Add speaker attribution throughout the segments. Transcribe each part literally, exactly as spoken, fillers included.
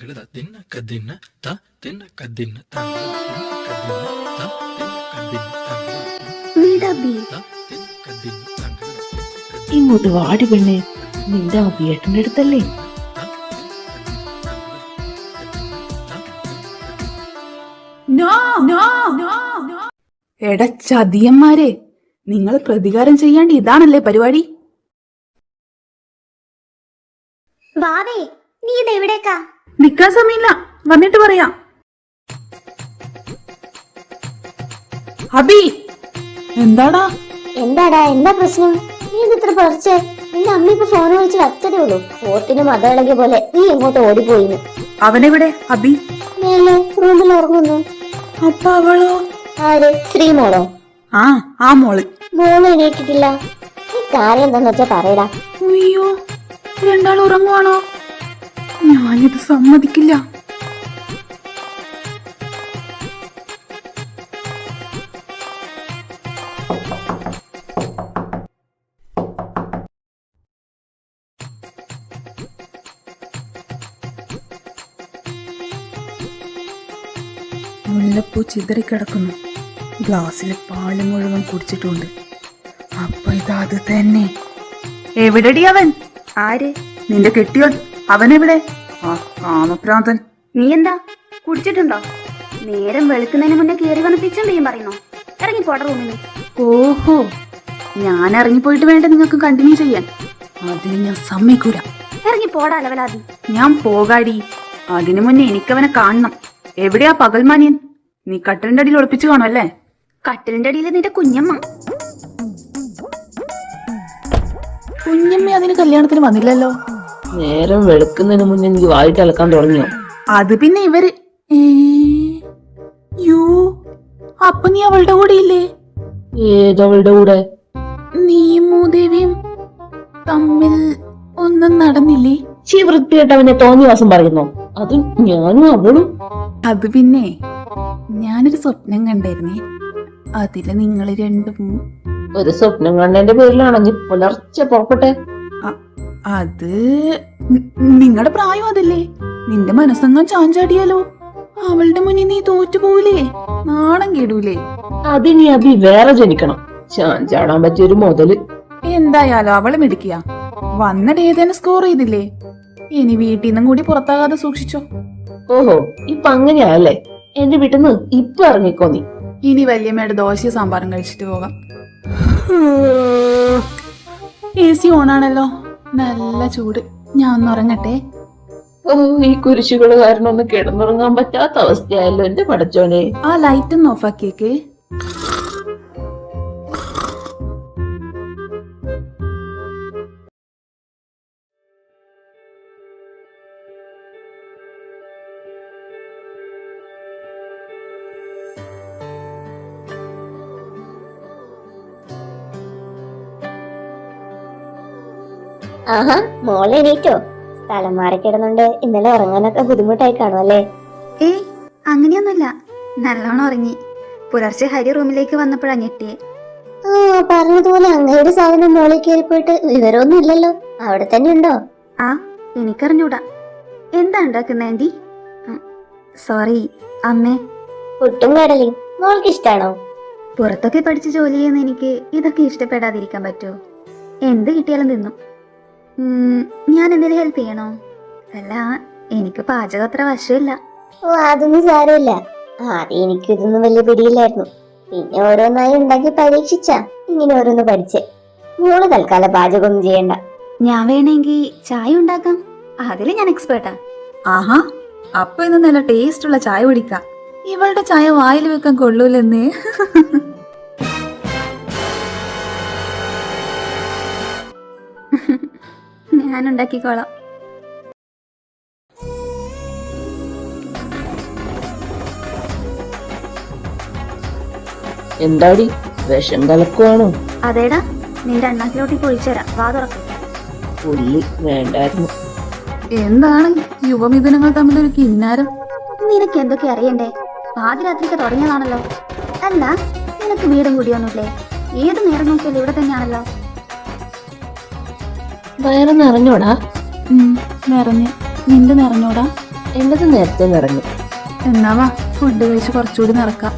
Speaker 1: തങ്കിള തിന്ന കദിന്ന ത തിന്ന കദിന്ന തങ്കിള തിന്ന കദിന്ന ത തിന്ന കദിന്ന തങ്കിള ത തിന്ന കദിന്ന തങ്കിള
Speaker 2: ഇങ്ങോട്ട് വാടി പെണ്ണെ, നിന്റെ അഭിയേട്ടന്റെ അടുത്തല്ലേ?
Speaker 3: എട ചതിയന്മാരെ, നിങ്ങൾ പ്രതികാരം ചെയ്യാണ്ട് ഇതാണല്ലേ പരിപാടി?
Speaker 4: വാവേ, നീ ഇതെവിടേക്കാ?
Speaker 3: നിക്കാൻ സമയമില്ല, വന്നിട്ട് പറയാം. അബി, എന്താടാ?
Speaker 4: എന്താടാ, എന്താ പ്രശ്നം? നീ ഇത്ര പറിച്ചേ? നിന്റെ അമ്മ ഇപ്പൊ ഫോൺ വിളിച്ച് വച്ചതേ ഉള്ളൂ. ഓത്തിന് മത ഇളകിയ പോലെ നീ എങ്ങോട്ട് ഓടിപ്പോയിന്ന്.
Speaker 3: അവനെവിടെ? അബി
Speaker 4: മേലെ റൂമിൽ ഉറങ്ങുന്നു.
Speaker 3: അപ്പൊ അവളോ?
Speaker 4: ആര്? ശ്രീമോളോ?
Speaker 3: ആ ആ മോള്.
Speaker 4: മോള് എണീറ്റിട്ടില്ല. ഈ കാര്യം എന്താന്ന് വെച്ചാ പറയടാ.
Speaker 3: അയ്യോ, രണ്ടാൾ ഉറങ്ങുവാണോ? ഞാനിത് സമ്മതിക്കില്ല. മുല്ലപ്പൂ ചിതറിക്കിടക്കുന്നു. ഗ്ലാസ്സിലെ പാല് മുഴുവൻ കുടിച്ചിട്ടുണ്ട്. അപ്പൊ ഇതത് തന്നെ. എവിടെടി അവൻ?
Speaker 5: ആര്?
Speaker 3: നിന്റെ കെട്ടിയോൻ. അവനെവിടെ? ആ കാമപ്രാന്തൻ.
Speaker 5: നീ എന്താ കുടിച്ചിട്ടുണ്ടോ? നേരം വെളുക്കുന്നതിന് മുന്നേ കയറി വന്ന് പിച്ചും പെയ്യും പറയുന്നോ? ഇറങ്ങി പോട റൂമിന്.
Speaker 3: ഓഹോ, ഞാൻ ഇറങ്ങിപ്പോയിട്ട് വേണ്ട നിങ്ങൾക്ക് കണ്ടിന്യൂ ചെയ്യാൻ? അതിന് ഞാൻ സമ്മതിക്കൂല.
Speaker 5: ഇറങ്ങി പോടാ അലവലാതി.
Speaker 3: ഞാൻ പോകാടി. അതിനു മുന്നേ എനിക്കവനെ കാണണം. എവിടെയാ പകൽമാനിയൻ? നീ കട്ടിലിന്റെ അടിയിൽ ഒളിപ്പിച്ചു കാണും അല്ലേ?
Speaker 5: കട്ടിലിന്റെ അടിയിൽ നിന്റെ കുഞ്ഞമ്മ.
Speaker 3: കുഞ്ഞമ്മ അതിന് കല്യാണത്തിന് വന്നില്ലല്ലോ.
Speaker 2: നേരം വെളുക്കുന്നതിന് മുന്നേ എനിക്ക് വായിട്ട് അലക്കാൻ തുടങ്ങിയോ?
Speaker 3: അത് പിന്നെ ഇവര്. യോ, അപ്പൊ നീ അവളുടെ കൂടെ ഇല്ലേ?
Speaker 2: ഏതവളുടെ കൂടെ?
Speaker 3: നീയും മൂദേവിയും തമ്മിൽ ഒന്നും നടന്നില്ലേ?
Speaker 2: ചീ വൃത്തിയായിട്ട് അവനെ തോന്നിവാസം പറയുന്നോ? അതും ഞാനും അവളും.
Speaker 3: അത് പിന്നെ ഞാനൊരു സ്വപ്നം കണ്ടായിരുന്നേ. അതില് നിങ്ങൾ രണ്ടും.
Speaker 2: ഒരു സ്വപ്നം കണ്ടതിന്റെ പേരിലാണെങ്കിൽ പുലർച്ചെ പുറപ്പെട്ടെ.
Speaker 3: അത് നിങ്ങളുടെ പ്രായം അതല്ലേ? നിന്റെ മനസ്സങ്ങാൻ ചാഞ്ചാടിയാലോ? അവളുടെ മുന്നിൽ നീ തോറ്റുപോകൂലേ? നാണം കേടൂലേ?
Speaker 2: അതിനി അഭി വേറെ ജനിക്കണം. ചാഞ്ചാടാൻ പറ്റിയൊരു മുതല്.
Speaker 3: എന്തായാലും അവള് മിടിക്കുക. വന്നിട്ട് ഏതേനും സ്കോർ ചെയ്തില്ലേ? ഇനി വീട്ടിൽ നിന്നും കൂടി പുറത്താകാതെ സൂക്ഷിച്ചോ.
Speaker 2: ഓഹോ, ഇപ്പൊ അങ്ങനെയല്ലേ? എന്റെ വീട്ടിൽ നിന്ന് ഇപ്പൊ ഇറങ്ങിക്കോ നീ.
Speaker 3: ഇനി വല്യമ്മയുടെ ദോശയും സാമ്പാറും കഴിച്ചിട്ട് പോകാം. എ സി ഓണാണല്ലോ, നല്ല ചൂട്. ഞാൻ ഒന്ന് ഉറങ്ങട്ടെ.
Speaker 2: ഓ, ഈ കുരിശുകള് കാരണം ഒന്ന് കിടന്നുറങ്ങാൻ പറ്റാത്ത അവസ്ഥയായല്ലോ എന്റെ പടച്ചോനെ.
Speaker 3: ആ ലൈറ്റ് ഒന്ന് ഓഫാക്കിയേക്ക്.
Speaker 4: ആഹാ, മോളെ എണീറ്റോ? സ്ഥലം മാറി കിടന്നുണ്ട്. ഇന്നലെ ഉറങ്ങാനൊക്കെ ബുദ്ധിമുട്ടായി കാണും അല്ലേ?
Speaker 5: ഏയ്, അങ്ങനെയൊന്നുമില്ല. നല്ലോണം ഉറങ്ങി. പുലർച്ചെ ഹരി റൂമിലേക്ക് വന്നപ്പോഴാ ഞെട്ടിയെ.
Speaker 4: ആ, പറഞ്ഞതുപോലെ അങ്ങയുടെ സാധനം മോളിൽ കയറിപ്പോയിട്ട് വിവരമൊന്നും ഇല്ലല്ലോ. അവിടെ തന്നെ ഉണ്ടോ?
Speaker 5: ആ, എനിക്കറിഞ്ഞൂടാ. എന്താ ഉണ്ടാക്കുന്ന ആന്റി? സോറി അമ്മേ.
Speaker 4: പുട്ടും കടലയും മോൾക്ക് ഇഷ്ടാണോ?
Speaker 5: പുറത്തൊക്കെ പഠിച്ച് ജോലി ചെയ്യുന്ന എനിക്ക് ഇതൊക്കെ ഇഷ്ടപ്പെടാതിരിക്കാൻ പറ്റുമോ? എന്ത് കിട്ടിയാലും തിന്നും. ഞാൻ എന്തെങ്കിലും ഹെൽപ്പ് ചെയ്യണോ? അല്ല, എനിക്ക് പാചകം അത്ര വശമില്ല.
Speaker 4: ഓ, അതൊന്നും സാരമില്ല. ആദ്യം എനിക്ക് ഇതൊന്നും വലിയ പിടിയില്ലായിരുന്നു. പിന്നെ ഓരോന്നായി ഉണ്ടാക്കി പരീക്ഷിച്ചാ ഇങ്ങനെ ഓരോന്ന് പഠിച്ചേ. മോള് തൽക്കാലം പാചകമൊന്നും ചെയ്യണ്ട.
Speaker 5: ഞാൻ വേണമെങ്കിൽ ചായ ഉണ്ടാക്കാം. അതില് ഞാൻ എക്സ്പേർട്ടാ.
Speaker 3: ആഹാ, അപ്പൊ ഇന്ന് നല്ല ടേസ്റ്റ് ഉള്ള ചായ കുടിക്കാം. ഇവളുടെ ചായ വായിൽ വെക്കാൻ കൊള്ളൂലെന്നേ.
Speaker 5: ഞാൻ ഉണ്ടാക്കിക്കോളാം.
Speaker 2: എന്താടി, വിഷം കലക്കുവാണോ?
Speaker 5: അതേടാ, നിന്റെ അണ്ണാക്കിലോട്ടേക്ക് ഒഴിച്ചുതരാം. വാ തുറക്കും.
Speaker 2: പുല്ലി വേണ്ടായിരുന്നു.
Speaker 3: എന്താണ് യുവമിഥുനങ്ങൾ തമ്മിലൊരു കിന്നാരം?
Speaker 5: നിനക്ക് എന്തൊക്കെ അറിയണ്ടേ? പാതിരാത്രിക്ക് തുടങ്ങിയതാണല്ലോ. അല്ല, നിനക്ക് വീടും കൂടിയൊന്നുമില്ലേ? ഏത് നേരം നോക്കിയാലും ഇവിടെ തന്നെയാണല്ലോ.
Speaker 2: വയറ് നിറഞ്ഞോടാ?
Speaker 3: നിറഞ്ഞ്. നിന്റെ നിറഞ്ഞോടാ?
Speaker 2: എന്റത് നേരത്തെ നിറഞ്ഞു.
Speaker 3: എന്നാ വാ ഫുഡ് കഴിച്ച് കുറച്ചുകൂടി നടക്കാം.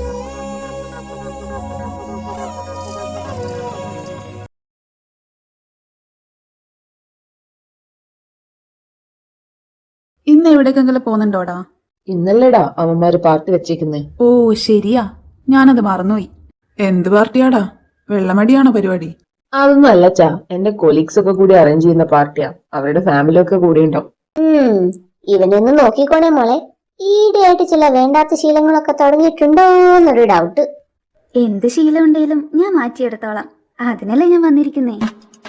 Speaker 3: ഇന്ന് എവിടേക്കെങ്കിലും പോകുന്നുണ്ടോടാ?
Speaker 2: ഇന്നല്ലേടാ അവന്മാര് പാർട്ടി വെച്ചേക്കുന്നേ.
Speaker 3: ഓ ശരിയാ, ഞാനത് മറന്നുപോയി. എന്ത് പാർട്ടിയാടാ? വെള്ളമടിയാണോ പരിപാടി?
Speaker 2: അതൊന്നും അല്ല ചാ, എന്റെ കൊലീഗ്സ് ഒക്കെ കൂടി അറേഞ്ച് ചെയ്യുന്ന പാർട്ടിയാ. അവരുടെ ഫാമിലി ഒക്കെ കൂടി ഉണ്ടാവും.
Speaker 4: ഉം ഇവനൊന്ന് നോക്കിക്കോണേ മോളെ. ഈയിടെയായിട്ട് ചില വേണ്ടാത്ത ശീലങ്ങളൊക്കെ തുടങ്ങിയിട്ടുണ്ടോന്നൊരു ഡൗട്ട്.
Speaker 5: എന്ത് ശീലം ഉണ്ടെങ്കിലും ഞാൻ മാറ്റിയെടുത്തോളാം. അതിനല്ലേ ഞാൻ വന്നിരിക്കുന്നേ.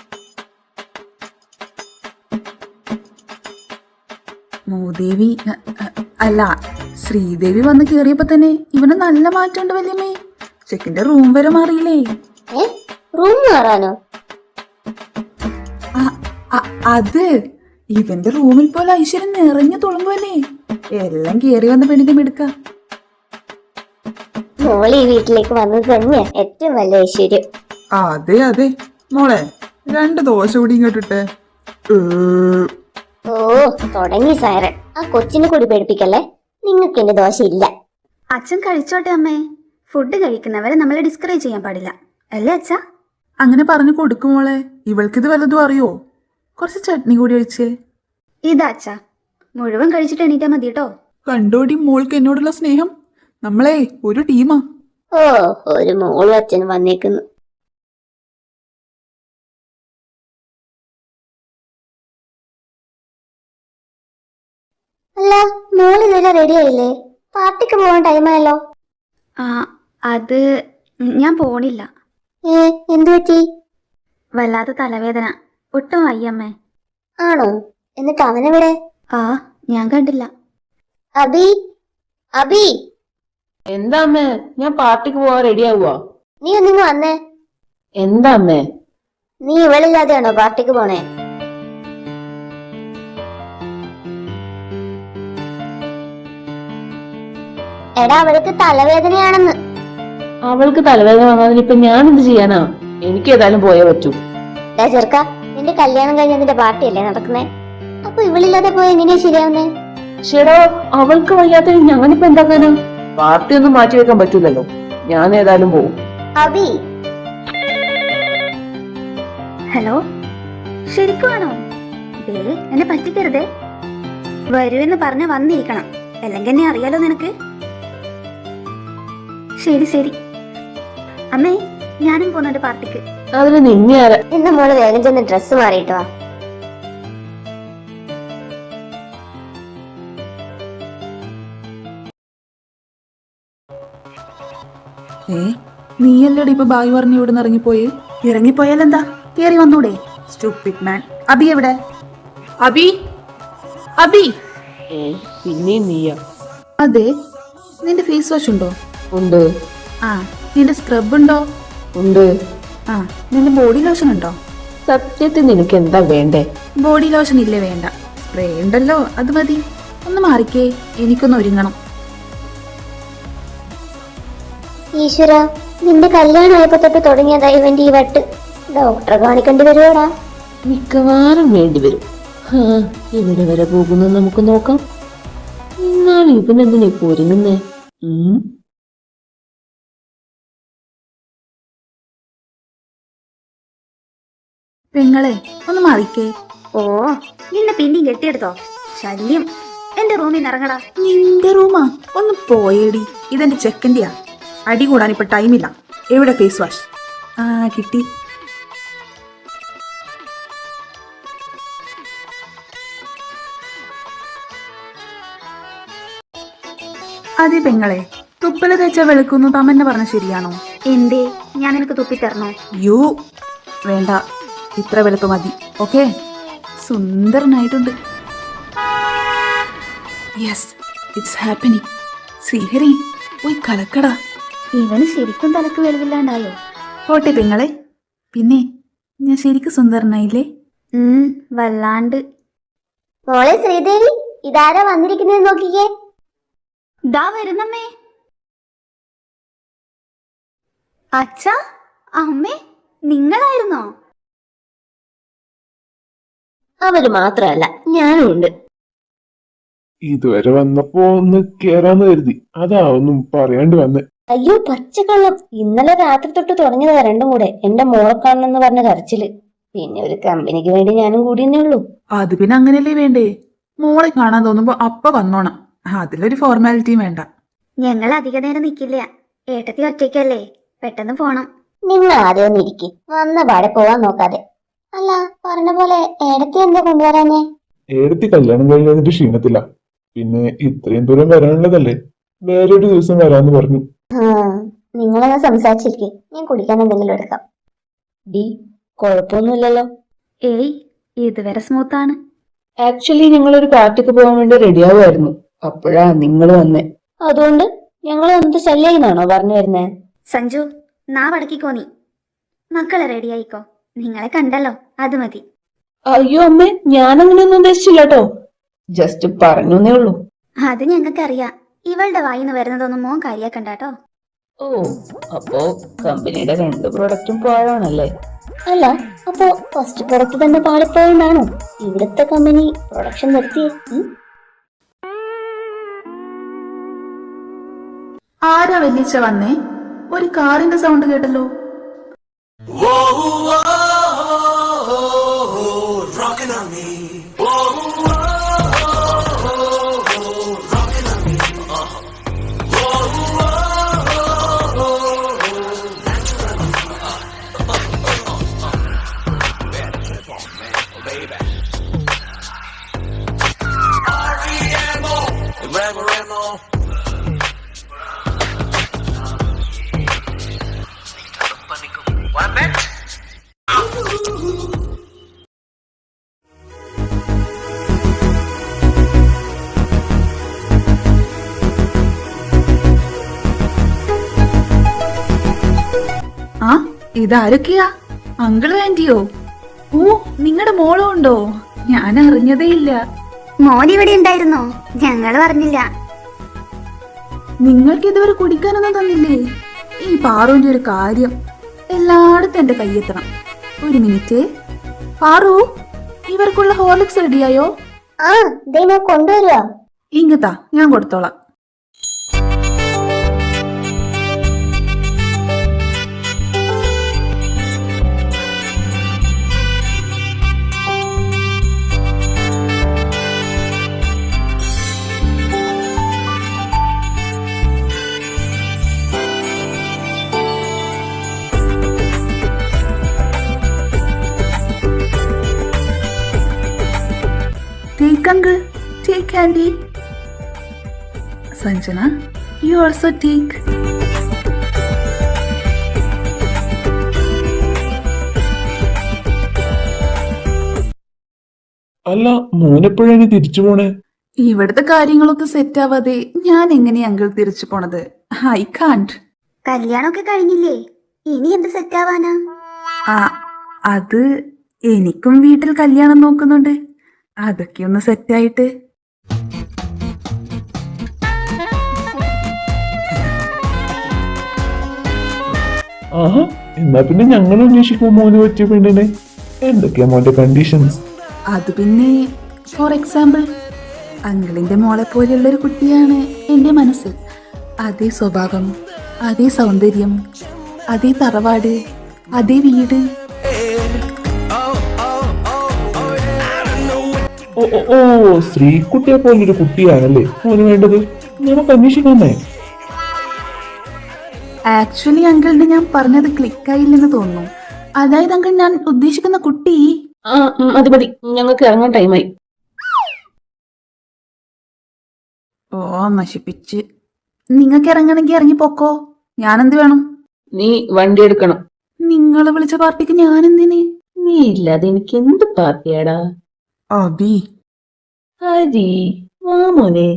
Speaker 3: മൂദേവി അ- അ- അല്ല ശ്രീദേവി വന്ന് കേറിയപ്പോ തന്നെ ഇവന് നല്ല മാറ്റമുണ്ട് വല്യമ്മേ. ചെക്കിന്റെ റൂം വരെ മാറിയില്ലേ?
Speaker 4: ഏ റൂം മാറാനോ?
Speaker 3: അ- അ- അത് ഇവന്റെ റൂമിൽ പോലെ ഐശ്വര്യം നിറഞ്ഞു തുളുമ്പുവല്ലേ. എല്ലാം കേറി വന്ന പെണ്ണിന്റെ മിടുക്ക.
Speaker 4: മോള് ഈ വീട്ടിലേക്ക് വന്നത് തന്നെയാ ഏറ്റവും വലിയ ഐശ്വര്യം.
Speaker 6: അതെ അതെ മോളെ, രണ്ട് ദോശ കൂടി ഇങ്ങോട്ടിട്ടെ.
Speaker 4: ഓ തുടങ്ങി സൈറൻ. ആ കൊച്ചിനെ കൂടി പേടിപ്പിക്കല്ലേ. നിങ്ങൾക്ക് എന്റെ ദോശ ഇല്ല.
Speaker 5: അച്ഛൻ കഴിച്ചോട്ടെ അമ്മേ. ഫുഡ് കഴിക്കുന്നവരെ നമ്മളെ ഡിസ്കറേജ് ചെയ്യാൻ പാടില്ല അല്ലേ അച്ഛാ?
Speaker 3: അങ്ങനെ പറഞ്ഞു കൊടുക്കും മോളെ. ഇവൾക്കിത് വല്ലതും അറിയോ? കുറച്ച് ചട്നി കൂടി ഒഴിച്ചേ.
Speaker 5: ഇതാ അച്ഛാ, മുഴുവൻ കഴിച്ചിട്ട് എണീറ്റാ മതി കേട്ടോ.
Speaker 3: കണ്ടോടി മോൾക്ക് എന്നോടുള്ള സ്നേഹം. നമ്മളെ ഒരു ടീമാ.
Speaker 4: ഓ ഒരു മോളും അച്ഛനും വന്നേക്കുന്നു. അല്ല മോള് ഇതുവരെ റെഡി ആയില്ലേ? പാർട്ടിക്ക് പോകാൻ ടൈമായല്ലോ.
Speaker 5: ആ അത് ഞാൻ പോണില്ല.
Speaker 4: ഏ എന്തു പറ്റി?
Speaker 5: വല്ലാത്ത തലവേദന, ഒട്ടും വയ്യമ്മേ.
Speaker 4: ആണോ? എന്നിട്ട് അവനെവിടെ?
Speaker 5: ആ ഞാൻ കണ്ടില്ല.
Speaker 4: അബി അബി
Speaker 2: എന്താ അമ്മേ, ഞാൻ പാർട്ടിക്ക് പോവാൻ റെഡി ആവുക.
Speaker 4: നീ ഒന്നിങ്ങ് വന്നേ.
Speaker 2: എന്താ അമ്മേ?
Speaker 4: നീ ഇവളില്ലാതെയാണോ പാർട്ടിക്ക് പോണേ? എടാ അവൾക്ക് തലവേദനയാണെന്ന്.
Speaker 2: അവൾക്ക് തലവേദന വന്നതിന് ഇപ്പൊ ഞാൻ എന്ത് ചെയ്യാനാ? എനിക്ക് ഏതായാലും പോയേ പറ്റൂ.
Speaker 4: ഡാ ചെറുക്ക, നിന്റെ കല്യാണം കഴിഞ്ഞതിന്റെ പാർട്ടിയല്ലേ നടക്കുന്നേ? അപ്പൊ ഇവളില്ലാതെ പോയി എങ്ങനെയാ ശരിയാവുന്നേ?
Speaker 2: ചേടാ, അവൾക്ക് വയ്യാത്ത ഞാനിപ്പോ എന്താക്കാനാ? പാർട്ടി ഒന്നും മാറ്റി വെക്കാൻ പറ്റൂലല്ലോ. ഞാൻ ഏതായാലും പോവും.
Speaker 4: അബി
Speaker 5: ഹലോ, ശരിക്കുവാണോ? ദേ എന്നെ പറ്റിക്കരുതേ. വരുമെന്ന് പറഞ്ഞ വന്നിരിക്കണം, അല്ലെങ്കിൽ എന്നെ അറിയാലോ നിനക്ക്. ശരി ശരി അമ്മേ, ഞാനും പോകുന്നുണ്ട് പാർട്ടിക്ക്.
Speaker 2: അതിന് നിന്നെ ആരാ?
Speaker 4: ഇന്ന് മോള് വേഗം ചെന്ന് ഡ്രസ്സ് മാറിയിട്ട് വാ.
Speaker 3: ഏ നീയല്ലേടി ഇപ്പൊ ബായ് പറഞ്ഞ് ഇവിടെ നിന്ന് ഇറങ്ങിപ്പോയി? ഇറങ്ങിപ്പോയാലെന്താ, കേറി വന്നൂടെ? സ്റ്റുപ്പിഡ് മാൻ. അബി എവിടെ? അബി അബി
Speaker 2: ഏ പിന്നെയും നീയാ?
Speaker 3: അതെ, നിന്റെ ഫേസ് വാഷ് ഉണ്ടോ?
Speaker 2: ഉണ്ട്.
Speaker 3: ആ നിന്റെ സ്ക്രബ് ഉണ്ടോ?
Speaker 2: ഉണ്ട്.
Speaker 3: ആ നിന്റെ ബോഡി ലോഷൻ ഉണ്ടോ?
Speaker 2: സത്യത്തിൽ നിനക്ക് എന്താ വേണ്ടേ?
Speaker 3: ബോഡി ലോഷൻ ഇല്ലേ? വേണ്ട, സ്പ്രേ ഉണ്ടല്ലോ, അത് മതി. ഒന്ന് മാറിക്കേ, എനിക്കൊന്ന് ഒരുങ്ങണം.
Speaker 4: ഈശ്വര, നിന്റെ കല്യാണം ആയപ്പോ തൊട്ട് തുടങ്ങിയതാ ഇവന്റെ ഈ വട്ട്. ഡോക്ടറെ കാണിക്കേണ്ടി വരുവാടാ.
Speaker 2: മിക്കവാറും വേണ്ടി വരും. ഹാ, എവിടെ വരെ പോകുന്നു നമുക്ക് നോക്കാം. എന്നാലും ഇവനെന്തിനാ ഇപ്പൊ ഒരുങ്ങുന്നേ? ഉം
Speaker 3: പെങ്ങളെ ഒന്ന് മാറിക്കേ.
Speaker 5: ഓ നിന്നെ പിന്നെയും കെട്ടിയെടുത്തോ? ശല്യം. എന്റെ റൂമിൽ നിന്ന് ഇറങ്ങടാ.
Speaker 3: നിന്റെ റൂമാ? ഒന്ന് പോയേടി, ഇതെന്റെ ചെക്കൻ്റെയാ. അടി കൂടാൻ ഇപ്പൊ ടൈമില്ല. എവിടെ ഫേസ് വാഷ്? ആ കിട്ടി. അതെ പെങ്ങളെ, തുപ്പല് തേച്ച വെളുക്കുന്നു തമ്മന്നെ പറഞ്ഞ ശരിയാണോ?
Speaker 5: എന്തേ, ഞാൻ നിനക്ക് തുപ്പിത്തരണോ?
Speaker 3: യു വേണ്ട, ഇത്ര വെളുപ്പ് മതി. ഓക്കെ, സുന്ദരനായിട്ടുണ്ട്. Yes, it's happening. ശ്രീഹരി പോയി കലക്കടാ.
Speaker 5: ഇവന് ശരിക്കും തലക്ക് വെളിവില്ലാണ്ടായോ?
Speaker 3: പോട്ടെ പെങ്ങളെ. പിന്നെ ഞാൻ ശരിക്കും സുന്ദരനായില്ലേ?
Speaker 5: ഉം വല്ലാണ്ട്.
Speaker 4: മോളെ ശ്രീദേവി, ഇതാരാ വന്നിരിക്കുന്നത് നോക്കിക്കേ.
Speaker 5: ദാ വരുന്നമ്മേ. അച്ഛാ, അമ്മേ, നിങ്ങളായിരുന്നോ?
Speaker 2: അവര് മാത്രമല്ല, ഞാനും ഉണ്ട്.
Speaker 7: ഇതുവരെ വന്നപ്പോ ഒന്ന് കേറാന്ന് കരുതി, അതാ ഒന്നും പറയാണ്ട് വന്നെ.
Speaker 4: അയ്യോ പച്ചക്കള്ളം, ഇന്നലെ രാത്രി തൊട്ട് തുടങ്ങിയതാ രണ്ടും കൂടെ. എന്റെ മോളെ കാണണമെന്ന് പറഞ്ഞ കരച്ചില്. പിന്നെ ഒരു കമ്പനിക്ക് വേണ്ടി ഞാനും കൂടിയെന്നേ ഉള്ളൂ.
Speaker 3: അത് പിന്നെ അങ്ങനെയല്ലേ വേണ്ടേ? മോളെ കാണാൻ തോന്നുമ്പോ അപ്പ വന്നോണം. അതിലൊരു ഫോർമാലിറ്റിയും വേണ്ട.
Speaker 5: ഞങ്ങൾ അധിക നേരം നിൽക്കില്ല. ഏട്ടത്തി ഒറ്റയ്ക്കല്ലേ, പെട്ടെന്ന് പോണം.
Speaker 4: നിങ്ങൾ ആദ്യം ഒന്ന് ഇരിക്കും, വന്ന പാടെ പോവാൻ നോക്കാതെ. അല്ല, പറഞ്ഞ പോലെ ഏടത്തി എന്താ കൊണ്ടുവരാനേ?
Speaker 7: ഏടത്തി കല്യാണം കഴിഞ്ഞിട്ട് ക്ഷീണത്തില്ല. പിന്നെ ഇത്രയും ദൂരം വരാനുള്ളതല്ലേ, വേറൊരു ദിവസം വരാന്ന് പറഞ്ഞു.
Speaker 4: ആ നിങ്ങളെന്നാ സംസാരിച്ചിരിക്കെ, ഞാൻ കുടിക്കാൻ എന്തെങ്കിലും എടുക്കാം.
Speaker 2: ഡി കുഴപ്പമൊന്നുമില്ലല്ലോ.
Speaker 5: ഏയ് ഇതുവരെ സ്മൂത്താണ്.
Speaker 2: ആക്ച്വലി ഞങ്ങളൊരു പാർട്ടിക്ക് പോകാൻ വേണ്ടി റെഡിയാവുമായിരുന്നു, അപ്പോഴാ നിങ്ങൾ വന്നേ.
Speaker 4: അതുകൊണ്ട് ഞങ്ങൾ എന്ത് ശല്യെന്നാണോ പറഞ്ഞു വരുന്നേ?
Speaker 5: സഞ്ജു, നാ വടക്കിക്കോ നീ. മക്കളെ റെഡി ആയിക്കോ, നിങ്ങളെ കണ്ടല്ലോ അത് മതി.
Speaker 2: അയ്യോ അമ്മേ, ഞാൻ അങ്ങനെയൊന്നും ഉദ്ദേശിച്ചില്ല കേട്ടോ, ജസ്റ്റ് പറഞ്ഞേ ഉള്ളൂ.
Speaker 5: അത് ഞങ്ങൾക്കറിയാം. ഇവളുടെ വായിന്ന് വരുന്നതൊന്നും മോൻ കാര്യാക്കണ്ടാട്ടോ.
Speaker 2: ഓ, അപ്പോ കമ്പനിയുടെ രണ്ട് പ്രൊഡക്റ്റും പാഴാണല്ലേ?
Speaker 4: അല്ല, അപ്പോ ഫസ്റ്റ് പ്രൊഡക്റ്റ് തന്നെ പാളിപ്പോയെന്നാണോ ഇവിടുത്തെ കമ്പനി പ്രൊഡക്ഷൻ നിർത്തിയേ?
Speaker 3: ആരാ വലിച്ച വന്നേ? ഒരു കാറിന്റെ സൗണ്ട് കേട്ടല്ലോ. ആ ഇതാരൊക്കെയാ? അങ്കിളും ആന്റിയോ? ഓ, നിങ്ങളുടെ മോളും ഉണ്ടോ? ഞാൻ അറിഞ്ഞതേ ഇല്ല.
Speaker 5: മോൻ ഇവിടെ ഉണ്ടായിരുന്നോ? ഞങ്ങള് പറഞ്ഞില്ല.
Speaker 3: നിങ്ങൾക്ക് ഇതുവരെ കുടിക്കാനൊന്നും തന്നില്ലേ? ഈ പാറുവിന്റെ ഒരു കാര്യം എല്ലായിടത്തും എന്റെ കയ്യെത്തണം. ഒരു മിനിറ്റ്. പാറു, ഇവർക്കുള്ള ഹോർലിക്സ് റെഡിയായോ?
Speaker 4: ആ ദേ ഞാൻ കൊണ്ടുവരുവാ.
Speaker 3: ഇങ്ങത്താ, ഞാൻ കൊടുത്തോളാം. Take uncle, take candy. Sanjana, you also take.
Speaker 7: അല്ല, മോനെപ്പോഴാണ് തിരിച്ചു പോണേ?
Speaker 3: ഇവിടുത്തെ കാര്യങ്ങളൊക്കെ സെറ്റ് ആവാതെ ഞാൻ എങ്ങനെയാ അങ്കിൾ തിരിച്ചു പോണത്? I can't.
Speaker 5: കല്യാണമൊക്കെ കഴിഞ്ഞില്ലേ, ഇനി എന്ത് സെറ്റാവാനാ?
Speaker 3: ആ അത് എനിക്കും വീട്ടിൽ കല്യാണം നോക്കുന്നുണ്ട്. അതൊക്കെ ഒന്ന് സെറ്റായിട്ട്.
Speaker 7: ആഹാ, എന്നാ പിന്നെ ഞങ്ങൾ അന്വേഷിക്കും മോന് പറ്റിയ പെണ്ണിനെ. എന്തൊക്കെയാ മോന്റെ കണ്ടീഷൻസ്?
Speaker 3: അത് പിന്നെ ഫോർ എക്സാമ്പിൾ, അങ്കിളിന്റെ മോളെ പോലെയുള്ള ഒരു കുട്ടിയാണ് എൻ്റെ മനസ്സിൽ. അതേ സ്വഭാവം, അതേ സൗന്ദര്യം, അതേ തറവാട്, അതേ വീട്.
Speaker 7: ഓ ഓ ഓ ശ്രീകുട്ടിയെ പോലൊരു കുട്ടിയാണല്ലേ മോന് വേണ്ടത്. നമുക്ക് അന്വേഷിക്കാന്നേ.
Speaker 3: ആക്ച്വലി അങ്കിളിന് ഞാൻ പറഞ്ഞത് ക്ലിക്കായില്ലെന്ന് തോന്നുന്നു. അതായത് അങ്കിൾ, ഞാൻ ഉദ്ദേശിക്കുന്ന കുട്ടി.
Speaker 2: ആ മതി മതി, ഞങ്ങൾക്ക് ഇറങ്ങാൻ ടൈമായി.
Speaker 3: ഓ നശിപ്പിച്ച്. നിങ്ങൾക്ക് ഇറങ്ങണമെങ്കിൽ ഇറങ്ങിപ്പോക്കോ, ഞാനെന്ത് വേണം?
Speaker 2: നീ വണ്ടി എടുക്കണം.
Speaker 3: നിങ്ങളെ വിളിച്ച പാർട്ടിക്ക് ഞാനെന്തിന്?
Speaker 2: നീ ഇല്ലാതെ എനിക്ക് എന്ത് പാർട്ടിയാടാ?
Speaker 3: അബി,
Speaker 2: ഹരി വാ മോനെ.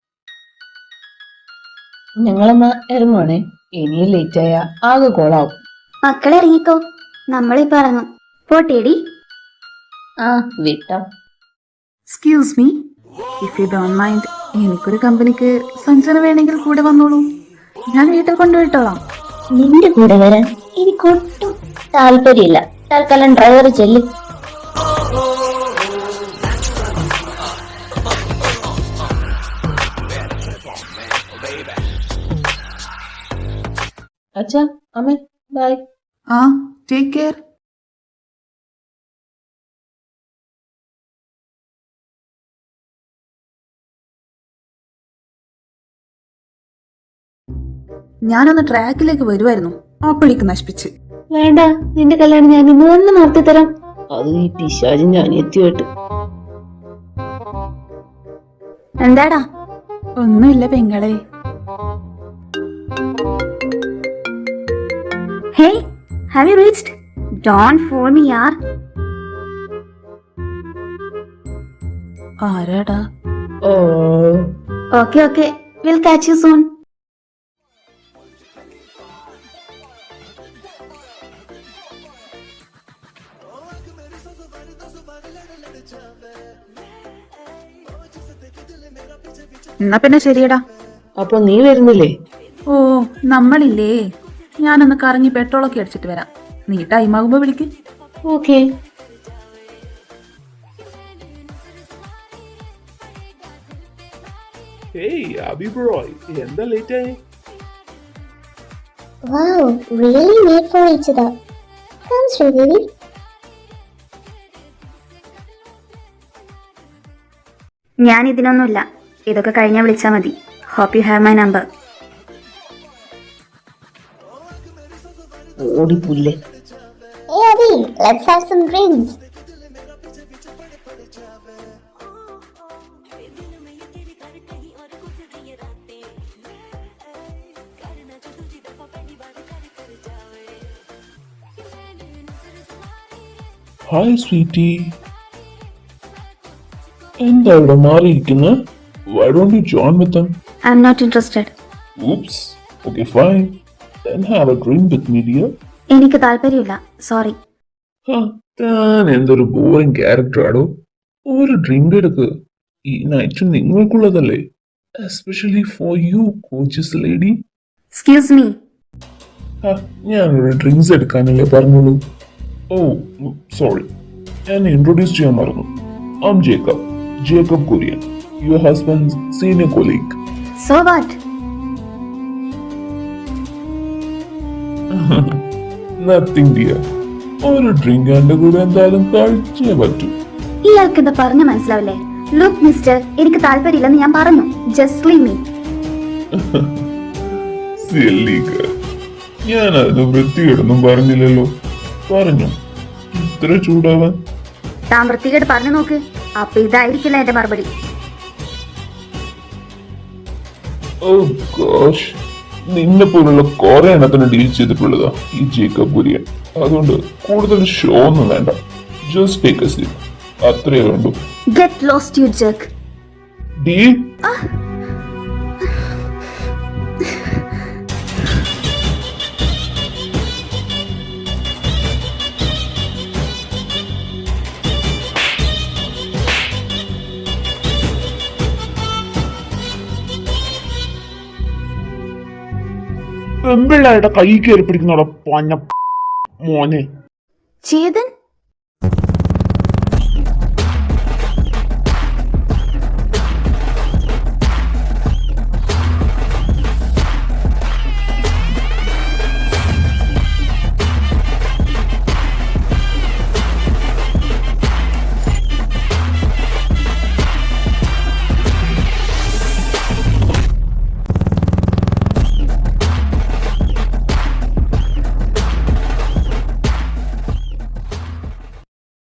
Speaker 2: ഞങ്ങളെന്നാ ഇറങ്ങുവാണേ, ഇനിയും ലേറ്റായ ആകെ കോളാവും.
Speaker 5: മക്കളെ ഇറങ്ങിക്കോ, നമ്മളിപ്പോ ഇറങ്ങും. പോട്ടേടി.
Speaker 2: ആ വിട്ടോ.
Speaker 3: Excuse me, if you don't mind, എനിക്കൊരു കമ്പനിക്ക് സഞ്ജന വേണമെങ്കിൽ കൂടെ വന്നോളൂ. ഞാൻ വീട്ടിൽ കൊണ്ടുപോയിട്ടോളാം.
Speaker 4: നിന്റെ കൂടെ വരാൻ എനിക്കൊട്ടും താല്പര്യമില്ല. തൽക്കാലം ഡ്രൈവർ ചെല്ലു.
Speaker 2: അച്ഛാ അമ്മേ ബൈ.
Speaker 3: ആ ടേക്ക് കെയർ. ഞാനൊന്ന് ട്രാക്കിലേക്ക് വരുമായിരുന്നു, അപ്പോഴേക്ക് നശിപ്പിച്ച്.
Speaker 2: വേണ്ട, നിന്റെ കല്യാണം ഞാൻ ഇന്ന് തന്നെ നടത്തി തരാം. അത് ഈ പിശാചി ഞാൻ എത്തിയിട്ട്.
Speaker 5: എന്താടാ?
Speaker 3: ഒന്നുമില്ല പെങ്ങളെ.
Speaker 5: Hey, have you reached? Don't fool me യാർ.
Speaker 3: ആരാടാ?
Speaker 2: Oh
Speaker 5: okay okay, will catch you soon.
Speaker 3: എന്നാ പിന്നെ ശരിയടാ.
Speaker 2: അപ്പൊ നീ വരുന്നില്ലേ?
Speaker 3: ഓ നമ്മളില്ലേ, ഞാനൊന്ന് കറങ്ങി പെട്രോളൊക്കെ അടിച്ചിട്ട് വരാം. നീ ടൈം ആകുമ്പോ വിളിക്ക്.
Speaker 2: ഓക്കെ.
Speaker 7: ഹേയ് അബി ബ്രോ, എന്താ ലേറ്റ് ആയി?
Speaker 4: Wow, really made for each other. Come, Sridevi.
Speaker 5: ഞാൻ ഇതിനൊന്നുമില്ല, ഇതൊക്കെ കഴിഞ്ഞാൽ വിളിച്ചാൽ മതി. Hope you have my number.
Speaker 2: ഓടിപ്പുല്ലേ.
Speaker 4: Hey, Adi, let's have some drinks.
Speaker 7: Hi sweetie, എന്താ ഇവിടെ മാറിയിരിക്കുന്നത്? Why don't you join with them?
Speaker 5: I am not interested.
Speaker 7: Oops. Okay, fine. Then have a drink with me, dear.
Speaker 5: എനിക്ക് താല്പര്യമില്ല, sorry.
Speaker 7: ഹാ, താൻ എന്തൊരു boring character ആടോ. ഒരു ഡ്രിങ്ക് എടുക്ക്, ഈ നൈറ്റ് നിങ്ങൾക്കുള്ളതല്ലേ. Especially for you coaches lady.
Speaker 5: Excuse me.
Speaker 7: ഞാനൊരു ഡ്രിങ്ക്സ് എടുക്കാനല്ലേ പറഞ്ഞോളൂ. ഓ സോറി, ഞാൻ ഇൻട്രൊഡ്യൂസ് ചെയ്യാൻ മറന്നു. I am Jacob, Jacob Kurian, your husband's senior colleague.
Speaker 5: So what?
Speaker 7: Nothing dear, ഒരു ഡ്രിങ്ക് എന്റെ കൂടെ എന്തായാലും കഴിച്ചേ പറ്റൂ.
Speaker 5: ഇയാൾക്ക് എന്താ പറഞ്ഞ മനസ്സിലാവില്ലേ? ലുക്ക് മിസ്റ്റർ, എനിക്ക് താല്പര്യമില്ലെന്ന് ഞാൻ പറഞ്ഞു. Just leave me.
Speaker 7: Silly girl, ഞാൻ അതിന് വൃത്തികേടൊന്നും പറഞ്ഞില്ലല്ലോ. പറഞ്ഞു ഇത്ര ചൂടാവാൻ?
Speaker 5: താൻ വൃത്തികേട് പറഞ്ഞു നോക്ക്, അപ്പൊ ഇതായിരിക്കില്ല എന്റെ മറുപടി.
Speaker 7: ഓ ഗോഷ്, നിന്നെ പോലുള്ള കുറെ എണ്ണത്തിന് ഡീൽ ചെയ്തിട്ടുള്ളതാ ഈ ജേക്കബ് കുര്യൻ. അതുകൊണ്ട് കൂടുതൽ ഷോ ഒന്നും വേണ്ട. ജസ്റ്റ് ടേക്ക് എ സീറ്റ്, അത്രേ വേണ്ടൂ.
Speaker 5: Get lost you jerk.
Speaker 7: Deal. പെമ്പിള്ളേരുടെ കൈ കയറി പിടിക്കുന്നോടെ പഞ്ഞ മോനെ.
Speaker 5: ചേതൻ,